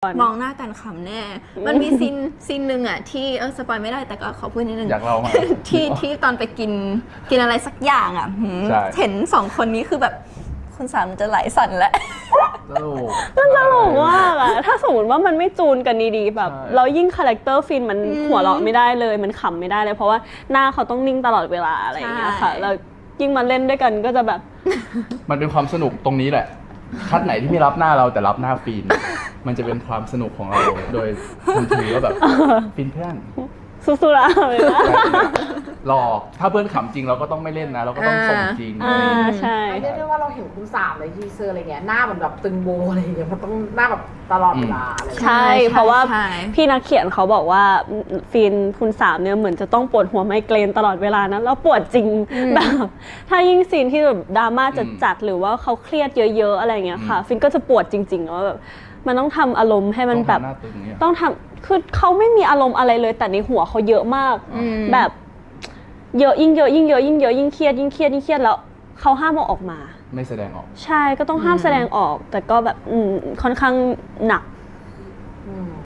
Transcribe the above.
มองหน้ากันขำแน่ มันมีซีนหนึ่งอ่ะที่สปอยไม่ได้แต่ก็ขอพูดนิดนึงอยากเล่ามาที่ตอนไปกินอะไรสักอย่างอ่ะเห็น2 คนนี้คือแบบคุณสามจะไหลสั่นแล้วมันตลกมากอะถ้าสมมติว่ามันไม่จูนกันดีๆแบบเรายิ่งคาแรคเตอร์ฟินมันหัวเราะไม่ได้เลยมันขำไม่ได้เลยเพราะว่าหน้าเขาต้องนิ่งตลอดเวลาอะไรอย่างเงี้ยค่ะแล้วยิ่งมาเล่นด้วยกันก็จะแบบมันเป็นความสนุกตรงนี้แหละคัดไหนที่ไม่รับหน้าเราแต่รับหน้าฟินมันจะเป็นความสนุกของเราโดยทันทีว่าแบบฟินเพื่อนสู้ๆละเลยนะหลอกถ้าเพื่อนขำจริงเราก็ต้องไม่เล่นนะเราก็ต้องส่งจริงใช่เรียกได้ว่าเราเห็นคุณสามเลยทีเซอร์อะไรเงี้ยหน้าเหมือนแบบตึงโบอะไรอย่างเงี้ยมันต้องหน้าแบบตลอดเวลาอะไรใช่เพราะว่าพี่นักเขียนเขาบอกว่าฟินคุณสามเนี่ยเหมือนจะต้องปวดหัวไมเกรนตลอดเวลานะแล้วปวดจริงแบบถ้ายิ่งซีนที่แบบดราม่าจัดหรือว่าเขาเครียดเยอะๆอะไรเงี้ยค่ะฟินก็จะปวดจริงๆแล้วแบบมันต้องทำอารมณ์ให้มันแบบต้องทำคือเขาไม่มีอารมณ์อะไรเลยแต่ในหัวเขาเยอะมากแบบเยอะยิ่งเยอะยิ่งเยอะยิ่งเยอะยิ่งเครียดยิ่งเครียดยิ่งเครียดแล้วเขาห้ามเอาออกมาไม่แสดงออกใช่ก็ต้องห้ามแสดงออกแต่ก็แบบค่อนข้างหนัก